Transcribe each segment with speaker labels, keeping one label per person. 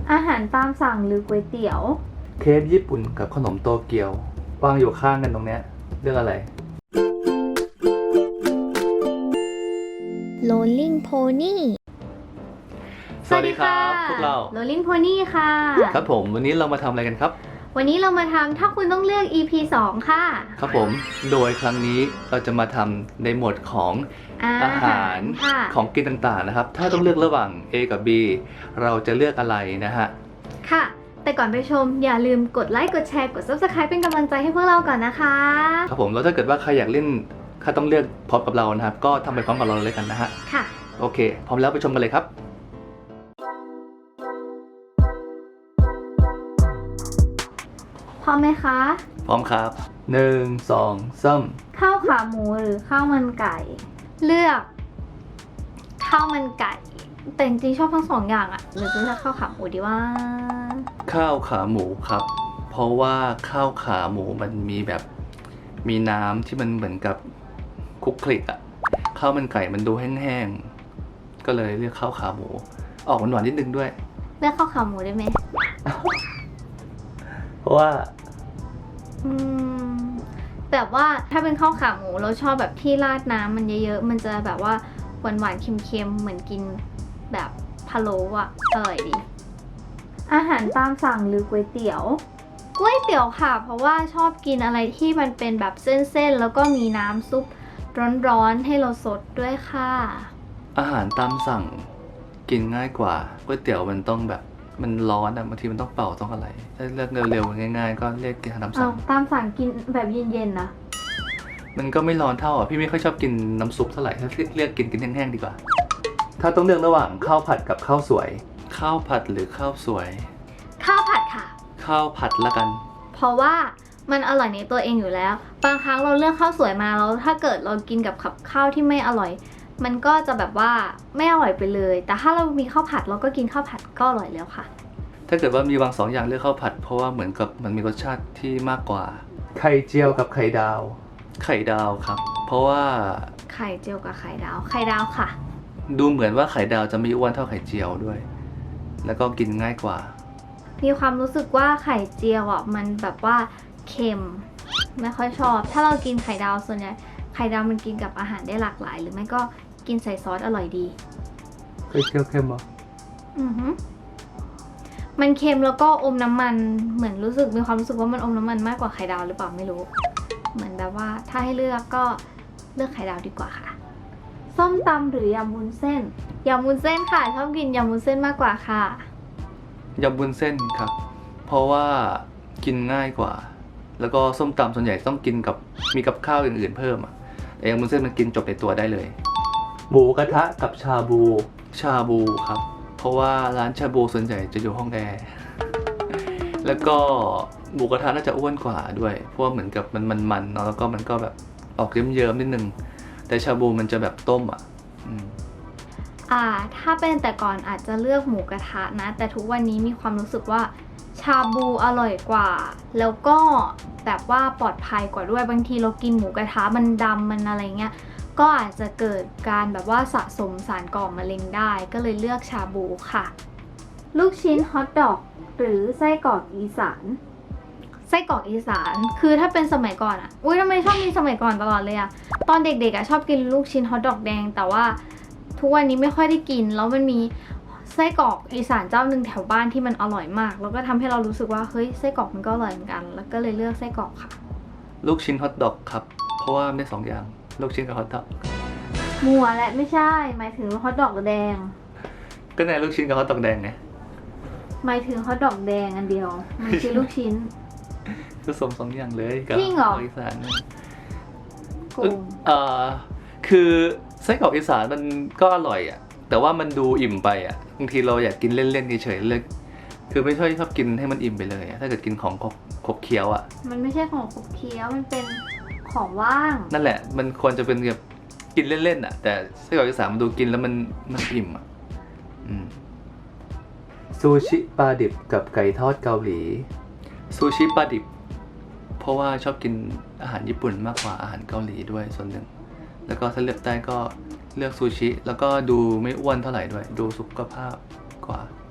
Speaker 1: อาหารตามสั่งหรือก๋วยเตี๋ยว
Speaker 2: เคฟญี่ปุ่นกับขนมโตเกียววางอยู่ข้างกันตรงเนี้ยเรื่องอะไร
Speaker 3: Rolling Pony
Speaker 2: สวัสดีครับพวกเรา
Speaker 1: Rolling Pony ค่ะ
Speaker 2: ครับผมวันนี้เรามาทำอะไรกันครับ
Speaker 1: วันนี้เรามาทำถ้าคุณต้องเลือก EP 2 ค่ะ
Speaker 2: ครับผมโดยครั้งนี้เราจะมาทำในหมวดของอาหาร
Speaker 1: ค่ะ
Speaker 2: ของกินต่างๆนะครับถ้าต้องเลือกระหว่าง A กับ B เราจะเลือกอะไรนะฮะ
Speaker 1: ค่ะ แต่ก่อนไปชมอย่าลืมกดไลค์กดแชร์กด Subscribe เป็นกำลังใจให้พวกเราก่อนนะคะ
Speaker 2: ครับผมแล้วถ้าเกิดว่าใครอยากเล่นถ้าต้องเลือกพร้อมกับเรานะครับก็ทำไปพร้อมกับเราเลยกันนะฮะ
Speaker 1: ค่ะ
Speaker 2: โอเคพร้อมแล้วไปชมกันเลยครับ
Speaker 1: พร้อมไหมคะ
Speaker 2: พร้อมครับ1 2 3
Speaker 1: ข้าวขาหมูหรือข้าวมันไก่ เลือกข้าวมันไก่ แต่จริงๆชอบทั้งสองอย่างอะหรือจะเลือกข้าวขาหมูดีว่า
Speaker 2: ข้าวขาหมูครับเพราะว่าข้าวขาหมูมันมีแบบมีน้ำที่มันเหมือนกับคลุกคลิกอะข้าวมันไก่มันดูแห้งๆก็เลยเลือกข้าวขาหมูออกหวานๆนิดนึงด้วย
Speaker 1: เลือกข้าวขาหมูได้ไหม
Speaker 2: เพราะว่า
Speaker 1: แบบว่าถ้าเป็นข้าวขาหมูเราชอบแบบที่ราดน้ำมันเยอะๆมันจะแบบว่าหวานๆเค็มๆเหมือนกินแบบพะโล้อะอร่อยดี อาหารตามสั่งหรือก๋วยเตี๋ยวก๋วยเตี๋ยวค่ะ เพราะว่าชอบกินอะไรที่มันเป็นแบบเส้นๆแล้วก็มีน้ำซุปร้อนๆให้เราสดด้วยค่ะ
Speaker 2: อาหารตามสั่งกินง่ายกว่าก๋วยเตี๋ยวมันต้องแบบมันร้อนอะบางทีมันต้องเป่าต้องอะไรถ้าเลือกเร็วๆง่ายๆก็เรียกกินอาหารตามสั่ง
Speaker 1: ตามสั่งกินแบบเย็นๆนะ
Speaker 2: มันก็ไม่ร้อนเท่าอ่ะพี่ไม่ค่อยชอบกินน้ำซุปเท่าไหร่ถ้าเลือกกินแห้งๆดีกว่า ถ้าต้องเลือกระหว่างข้าวผัดกับข้าวสวย ข้าวผัดหรือข้าวสวย
Speaker 1: ข้าวผัดค่ะ
Speaker 2: ข้าวผัดละกัน
Speaker 1: เพราะว่ามันอร่อยในตัวเองอยู่แล้ว บางครั้งเราเลือกข้าวสวยมาแล้วถ้าเกิดเรากินกับข้าวที่ไม่อร่อย มันก็จะแบบว่าไม่อร่อยไปเลย แต่ถ้าเรามีข้าวผัดเราก็กินข้าวผัดก็อร่อยแล้วค่ะ
Speaker 2: ถ้าเกิดว่ามีวาง2 อย่างเลือกข้าวผัดเพราะว่าเหมือนกับมันมีรสชาติที่มากกว่า ไข่เจียวกับไข่ดาว ไข่ดาวครับ เพราะว่า
Speaker 1: ไข่เจียวกับไข่ดาว ไข่ดาวค่ะ
Speaker 2: ดูเหมือนว่าไข่ดาวจะไม่อ้วนเท่าไข่เจียวด้วย แล้วก็กินง่ายกว่า
Speaker 1: มีความรู้สึกว่าไข่เจียวอ่ะมันแบบว่าเค็มไม่ค่อยชอบ ถ้าเรากินไข่ดาวส่วนใหญ่ไข่ดาวมันกินกับอาหารได้หลากหลาย หรือไม่ก็กินใส่ซอสอร่อยดี
Speaker 2: ไข่เจียวเค็มเหรอ
Speaker 1: มันเค็มแล้วก็อมน้ำมันเหมือนรู้สึกมีความรู้สึกว่ามันอมน้ำมันมากกว่าไข่ดาวหรือเปล่าไม่รู้ เหมือนแบบว่าถ้าให้เลือกก็เลือกไข่ดาวดีกว่าค่ะ ส้มตำหรือยำวุ้นเส้นยำวุ้นเส้นค่ะชอบกินยำวุ้นเส้นมากกว่าค่ะ
Speaker 2: ยำวุ้นเส้นครับ เพราะว่ากินง่ายกว่า แล้วก็ส้มตำส่วนใหญ่ต้องกินกับมีกับข้าวอื่นๆเพิ่มอ่ะแต่ยำวุ้นเส้นมันกินจบในตัวได้เลย หมูกระทะกับชาบู ชาบูครับ เพราะว่าร้านชาบูส่วนใหญ่จะอยู่ห้องแอร์ แล้วก็หมูกระทะน่าจะอ้วนกว่าด้วย เพราะว่าเหมือนกับมันเนาะ แล้วก็มันก็แบบออกเยิ้มๆนิดนึง แต่ชาบูมันจะแบบต้มอ่ะ
Speaker 1: ถ้าเป็นแต่ก่อนอาจจะเลือกหมูกระทะนะ แต่ทุกวันนี้มีความรู้สึกว่าชาบูอร่อยกว่า แล้วก็แบบว่าปลอดภัยกว่าด้วย บางทีเรากินหมูกระทะมันดำมันอะไรเงี้ย ก็อาจจะเกิดการแบบว่าสะสมสารก่อมะเร็งได้ ก็เลยเลือกชาบูค่ะ ลูกชิ้นฮอทดอกหรือไส้กรอกอีสาน ไส้กรอกอีสาน คือถ้าเป็นสมัยก่อนอะอุ้ยทำไมชอบมีสมัยก่อนตลอดเลยอะตอนเด็กๆอะชอบกินลูกชิ้นฮอทดอกแดง แต่ว่าทุกวันนี้ไม่ค่อยได้กิน แล้วมันมีไส้กรอกอีสานเจ้าหนึ่งแถวบ้านที่มันอร่อยมาก แล้วก็ทำให้เรารู้สึกว่าเฮ้ยไส้กรอกมันก็อร่อยเหมือนกัน แล้วก็เลยเลือกไส้กรอกค่ะ
Speaker 2: ลูกชิ้นฮอทดอกครับ เพราะว่าได้2 อย่าง ลูกชิ้นกับฮอทดอก
Speaker 1: มัวและไม่ใช่หมายถึงฮอทดอกแดง
Speaker 2: ก็ในลูกชิ้นกับฮอทดอกแดงไง
Speaker 1: หมายถึงฮอทดอกแดงอันเดียวมันคือลูกชิ้น
Speaker 2: ผสม2 อย่างเลยกับ
Speaker 1: จริงเหรอ
Speaker 2: อีสาน
Speaker 1: โกง
Speaker 2: คือไส้กรอกอีสานมันก็อร่อยอ่ะ แต่ว่ามันดูอิ่มไปอ่ะบางทีเราอยากกินเล่นๆเฉยๆเลยคือไม่ชอบกินให้มันอิ่มไปเลยอะถ้าเกิดกินของขบเคี้ยวอ่ะ
Speaker 1: มันไม่ใช่ของขบเคี้ยวมันเป็นของว่าง
Speaker 2: นั่นแหละมันควรจะเป็นแบบกินเล่นๆอ่ะแต่ไส้กรอกอีสานมันดูกินแล้วมันอิ่มอ่ะซูชิปลาดิบกับไก่ทอดเกาหลีซูชิปลาดิบเพราะว่าชอบกินอาหารญี่ปุ่นมากกว่าอาหารเกาหลีด้วยส่วนหนึ่งแล้วก็ถ้าเลือกได้ก็เลือกซูชิแล้วก็ดูไม่อ้วนเท่าไหร่ด้วยดูสุขภาพกว่า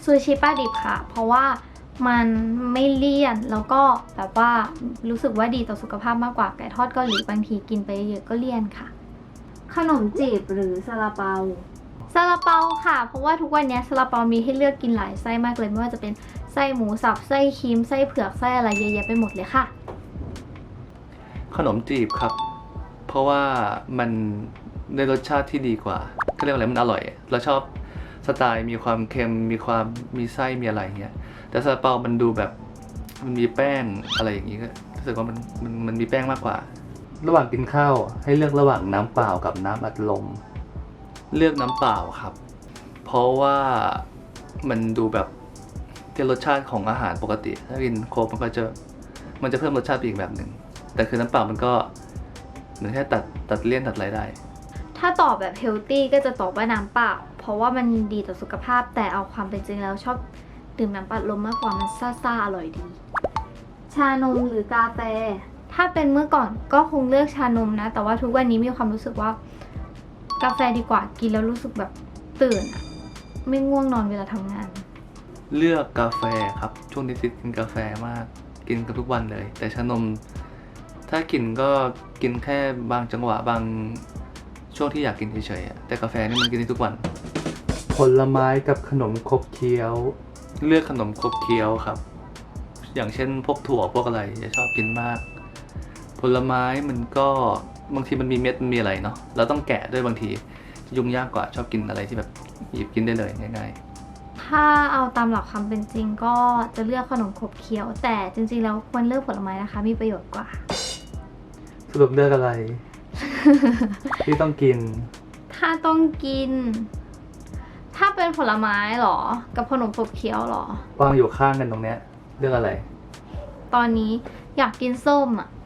Speaker 1: ซูชิปลาดิบค่ะ เพราะว่ามันไม่เลี่ยนแล้วก็แบบว่ารู้สึกว่าดีต่อสุขภาพมากกว่าไก่ทอดเกาหลีบางทีกินไปเยอะก็เลี่ยนค่ะ ขนมจีบหรือซาลาเปาซาลาเปาค่ะ เพราะว่าทุกวันนี้ซาลาเปามีให้เลือกกินหลายไส้มากเลยไม่ว่าจะเป็นไส้หมูสับไส้ครีมไส้เผือกไส้อะไรเยอะแยะไปหมดเลยค่ะ
Speaker 2: ขนมจีบครับ เพราะว่ามันได้รสชาติที่ดีกว่าก็เรียกว่าอะไรมันอร่อยเราชอบสไตล์มีความเค็มมีไส้มีอะไรเงี้ยแต่ซาลาเปามันดูแบบมันมีแป้งอะไรอย่างงี้ก็รู้สึกว่ามันมีแป้งมากกว่า ระหว่างกินข้าวให้เลือกระหว่างน้ำเปล่ากับน้ำอัดลมเลือกน้ำเปล่าครับ เพราะว่ามันดูแบบที่รสชาติของอาหารปกติถ้ากินโค้กมันจะเพิ่มรสชาติไปอีกแบบหนึ่งแต่คือน้ำเปล่ามันก็เหมือนแค่ตัดเลี่ยนตัดอะไรได้
Speaker 1: ถ้าตอบแบบเฮลตี้ก็จะตอบว่าน้ำเปล่าเพราะว่ามันดีต่อสุขภาพแต่เอาความเป็นจริงแล้วชอบดื่มน้ำอัดลมมากกว่ามันซ่าๆอร่อยดี ชานมหรือกาแฟ ถ้าเป็นเมื่อก่อนก็คงเลือกชานมนะ แต่ว่าทุกวันนี้มีความรู้สึกว่ากาแฟดีกว่ากินแล้วรู้สึกแบบตื่นอะไม่ง่วงนอนเวลาทำงาน
Speaker 2: เลือกกาแฟครับช่วงนี้ติดกินกาแฟมากกินกันทุกวันเลย แต่ชานมถ้ากินก็กินแค่บางจังหวะบางช่วงที่อยากกินเฉยๆแต่กาแฟนี่มันกินได้ทุกวัน ผลไม้กับขนมขบเคี้ยว เลือกขนมขบเคี้ยวครับ อย่างเช่นพวกถั่วพวกอะไรจะชอบกินมาก ผลไม้มันก็บางทีมันมีเม็ดมันมีอะไรเนาะเราต้องแกะด้วยบางทียุ่งยากกว่าชอบกินอะไรที่แบบหยิบกินได้เลยง่ายๆ
Speaker 1: ถ้าเอาตามหลักความเป็นจริงก็จะเลือกขนมขบเคี้ยว แต่จริงๆแล้วควรเลือกผลไม้นะคะมีประโยชน์กว่า
Speaker 2: สรุปเลือกอะไร ที่ต้องกิน
Speaker 1: ถ้าต้องกิน ถ้าเป็นผลไม้เหรอ กับขนมขบเคี้ยวเหรอ
Speaker 2: วางอยู่ข้างกันตรงเนี้ยเลือกอะไร
Speaker 1: ตอนนี้อยากกินส้มอ่ะ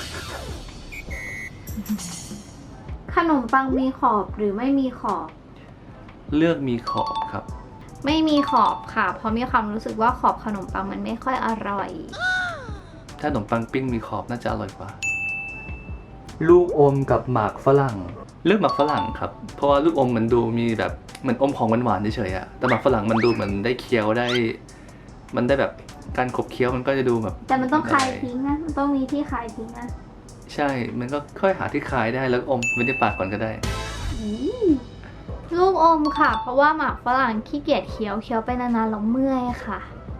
Speaker 1: ขนมปังมีขอบหรือไม่มีขอบ
Speaker 2: เลือกมีขอบครับ
Speaker 1: ไม่มีขอบค่ะ เพราะมีความรู้สึกว่าขอบขนมปังมันไม่ค่อยอร่อย
Speaker 2: ถ้าขนมปังปิ้งมีขอบน่าจะอร่อยกว่า ลูกอมกับหมากฝรั่ง เลือกหมากฝรั่งครับ เพราะว่าลูกอมมันดูมีแบบเหมือนอมของหวานๆเฉยๆอะแต่หมากฝรั่งมันดูเหมือนได้เคี้ยวได้ มันได้แบบการขบเคี้ยวมันก็จะดูแบบ
Speaker 1: แต่มันต้องคายทิ้งนะ มันต้องมีที่คายทิ้งนะ
Speaker 2: ใช่ มันก็ค่อยหาที่คายได้แล้วอมไว้ในปากก่อนก็ได้
Speaker 1: ลูกอมค่ะ เพราะว่าหมากฝรั่งขี้เกียจเคี้ยวไปนานๆแล้วเมื่อยค่ะ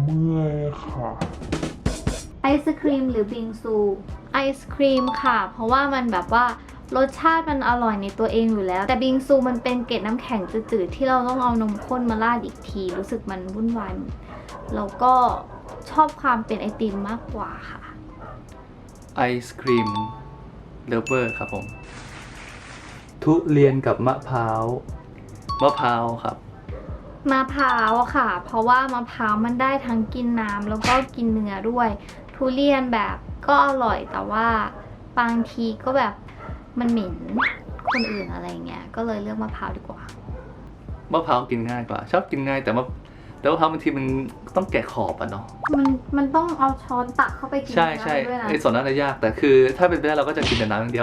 Speaker 1: ไอศครีมหรือบิงซูไอศครีมค่ะ เพราะว่ามันแบบว่ารสชาติมันอร่อยในตัวเองอยู่แล้ว แต่บิงซูมันเป็นเกล็ดน้ำแข็งจืดๆที่เราต้องเอานมข้นมาราดอีกที รู้สึกมันวุ่นวายแล้วก็ชอบความเป็นไอติมมากกว่าค่ะ
Speaker 2: ไอศครีมเลฟเวอร์ครับผม ทุเรียนกับมะพร้าว มะพร้าวครับ
Speaker 1: มะพร้าวค่ะ เพราะว่ามะพร้าวมันได้ทั้งกินน้ำแล้วก็กินเนื้อด้วย ทุเรียนแบบก็อร่อยแต่ว่าบางทีก็แบบมันเหม็นคนอื่นอะไรเงี้ย ก็เลยเลือกมะพร้าวดีกว่า
Speaker 2: มะพร้าวกินง่ายกว่า ชอบกินง่ายแต่มะพร้าวบางทีมันต้องแกะขอบอะเนาะ
Speaker 1: มันต้องเอาช้อนตักเข้าไปกิน
Speaker 2: ใช่
Speaker 1: ได้ด้วยนะ
Speaker 2: ไอ้ส่วนนั้นน่ะยากแต่คือถ้าเป็นไปได้เราก็จะกินแต่น้ำอย่างเดียว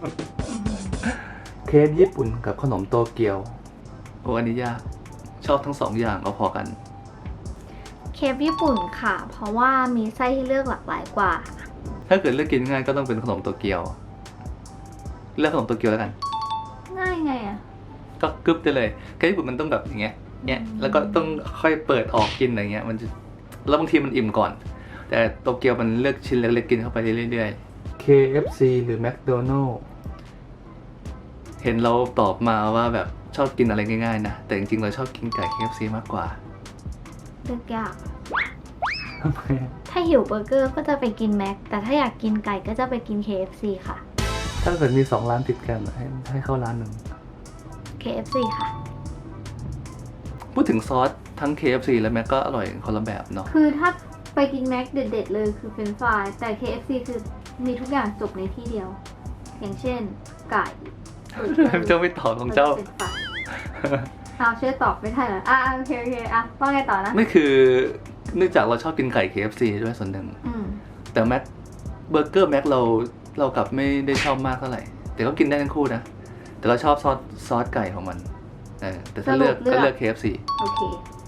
Speaker 2: เคฟญี่ปุ่นกับขนมโตเกียวโอ้อันนี้ยากชอบทั้งสองอย่างเอาพอกัน
Speaker 1: เคฟญี่ปุ่นค่ะ เพราะว่ามีไส้ให้เลือกหลากหลายกว่า
Speaker 2: ถ้าเกิดเลือกกินง่ายก็ต้องเป็นขนมโตเกียวเลือกขนมโตเกียวแล้วกัน
Speaker 1: ง่ายไงอ่ะ
Speaker 2: ก็กึ๊บได้เลยเคฟญี่ปุ่นมันต้องแบบอย่างเงี้ยแล้วก็ต้องค่อยเปิดออกกินอะไรเงี้ยมันจะแล้วบางทีมันอิ่มก่อน แต่โตเกียวมันเลือกชิ้นเล็กๆกินเข้าไปเรื่อยๆ KFC หรือ McDonald's เห็นเราตอบมาว่าแบบชอบกินอะไรง่ายๆนะแต่จริงๆเราชอบกินไก่ KFC มากกว่า
Speaker 1: เลือกยาก
Speaker 2: ทำไม
Speaker 1: ถ้าหิวเบอร์เกอร์ก็จะไปกินแม็ก แต่ถ้าอยากกินไก่ก็จะไปกิน KFC ค่ะ
Speaker 2: ถ้าเกิดมี2ร้านติดกันให้เข้าร้านหนึ่ง
Speaker 1: KFC ค่ะ
Speaker 2: พูดถึงซอสทั้ง KFC และแม็กก็อร่อยคนละแบบเนาะ
Speaker 1: คือถ้าไปกินแม็กเด็ดๆเลยคือเฟรนช์ฟรายแต่ KFC คือมีทุกอย่างจบในที่เดียว อย่างเช่น ไก่
Speaker 2: เจ้าไม่ตอบของเจ้า
Speaker 1: เป็นไฟเอาช่วยตอบไม่ได้เหรอโอเคอ่ะว่าไงต่อนะ
Speaker 2: ไม่คือเนื่องจากเราชอบกินไก่ KFC ด้วยส่วนหนึ่ง
Speaker 1: อืม
Speaker 2: แต่แม็กเบอร์เกอร์แม็กเรากลับไม่ได้ชอบมากเท่าไหร่ แต่ก็กินได้ทั้งคู่นะ แต่เราชอบซอสไก่ของมันแต่ถ้าเลือกก็เลือก KFC
Speaker 1: โอเค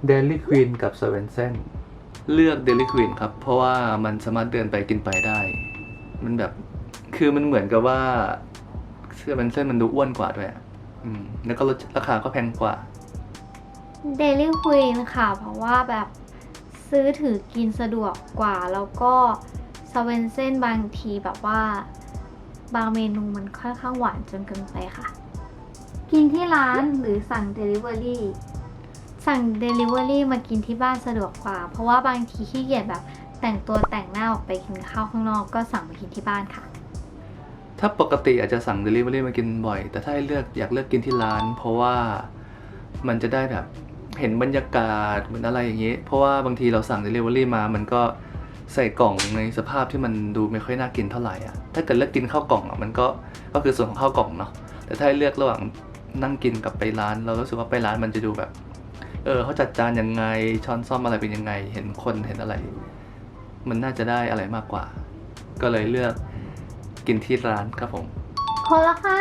Speaker 2: Dairy Queen กับ Swensen เลือก Dairy Queen ครับ เพราะว่ามันสามารถเดินไปกินไปได้ มันแบบคือมันเหมือนกับว่า Swensen มันดูอ้วนกว่าด้วยแล้วก็ราคาก็แพงกว่า
Speaker 1: Dairy Queen ค่ะ เพราะว่าแบบซื้อถือกินสะดวกกว่า แล้วก็สเวนเซ่นบางทีแบบว่าบางเมนูมันค่อนข้างหวานจนเกินไปค่ะ กินที่ร้านหรือสั่ง Delivery สั่ง Delivery มากินที่บ้านสะดวกกว่า เพราะว่าบางทีขี้เกียจแบบแต่งตัวแต่งหน้าออกไปกินข้าวข้างนอกก็สั่งมากินที่บ้านค่ะ
Speaker 2: ถ้าปกติอาจจะสั่ง Delivery มากินบ่อย แต่ถ้าให้เลือกอยากเลือกกินที่ร้าน เพราะว่ามันจะได้แบบเห็นบรรยากาศเหมือนอะไรอย่างนี้ เพราะว่าบางทีเราสั่ง Delivery มามันก็ใส่กล่องในสภาพที่มันดูไม่ค่อยน่ากินเท่าไหร่อ่ะถ้าเกิดเลือกกินข้าวกล่องอ่ะมันก็คือส่วนของข้าวกล่องเนาะแต่ถ้าให้เลือกระหว่างนั่งกินกับไปร้าน เรารู้สึกว่าไปร้านมันจะดูแบบเขาจัดจานยังไงช้อนซ่อมอะไรเป็นยังไงเห็นคนเห็นอะไร มันน่าจะได้อะไรมากกว่า ก็เลยเลือกกินที่ร้านครับผม
Speaker 1: คนละค่ะ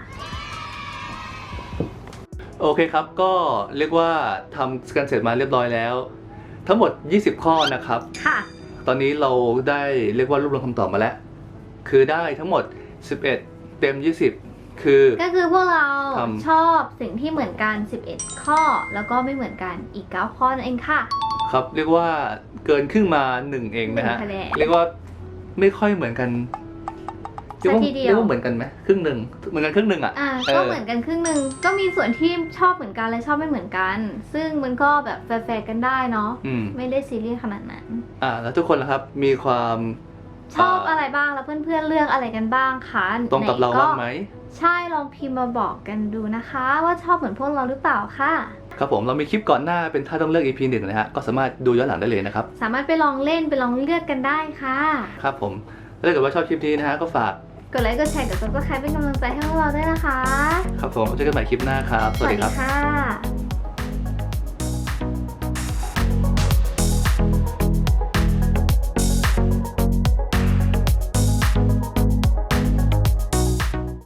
Speaker 2: โอเคครับก็เรียกว่าทำกันเสร็จมาเรียบร้อยแล้ว ทั้งหมด20 ข้อนะครับ
Speaker 1: ค่ะ
Speaker 2: ตอนนี้เราได้เรียกว่ารวบรวมคำตอบมาแล้ว คือได้ทั้งหมด11เต็ม20คือ
Speaker 1: ก็คือพวกเรา
Speaker 2: ทำ
Speaker 1: ชอบสิ่งที่เหมือนกัน 11 ข้อ แล้วก็ไม่เหมือนกันอีก 9 ข้อนั่นเองค่ะ
Speaker 2: ครับเรียกว่าเกินครึ่งมา1เองนะฮะ
Speaker 1: 1คะแนน
Speaker 2: เรียกว่าไม่ค่อยเหมือนกัน
Speaker 1: ซะทีเดียว
Speaker 2: เรียกว่าเหมือนกันไหมครึ่งหนึ่งเหมือนกันครึ่งหนึ่งอ่ะ
Speaker 1: ก็เหมือนกันครึ่งหนึ่งก็มีส่วนที่ชอบเหมือนกันและชอบไม่เหมือนกัน ซึ่งมันก็แบบแฟร์ๆกันได้เนาะ ไม่ได้ซีเรียสขนาดนั้น
Speaker 2: แล้วทุกคนล่ะครับมีความ
Speaker 1: ชอบอะไรบ้างแล้วเพื่อนๆเลือกอะไรกันบ้างคะ
Speaker 2: ตรงกับเราบ้างไหม
Speaker 1: ใช่ลองพิมพ์มาบอกกันดูนะคะ ว่าชอบเหมือนพวกเราหรือเปล่าค่ะ
Speaker 2: ครับผมเรามีคลิปก่อนหน้าเป็นถ้าต้องเลือก EP 1นะฮะก็สามารถดูย้อนหลังได้เลยนะครับ
Speaker 1: สามารถไปลองเล่นไปลองเลือกกันได้ค่ะ
Speaker 2: ครับผมถ้าเกิดว่าชอบคลิปนี้นะฮะก็ฝาก
Speaker 1: กดไลค์กดแชร์กด Subscribe เป็นกำลังใจให้พวกเราด้วยนะคะ
Speaker 2: ครับผมเจอกันใหม่คลิปหน้าครับ สวัสดีครับ
Speaker 1: ค่ะ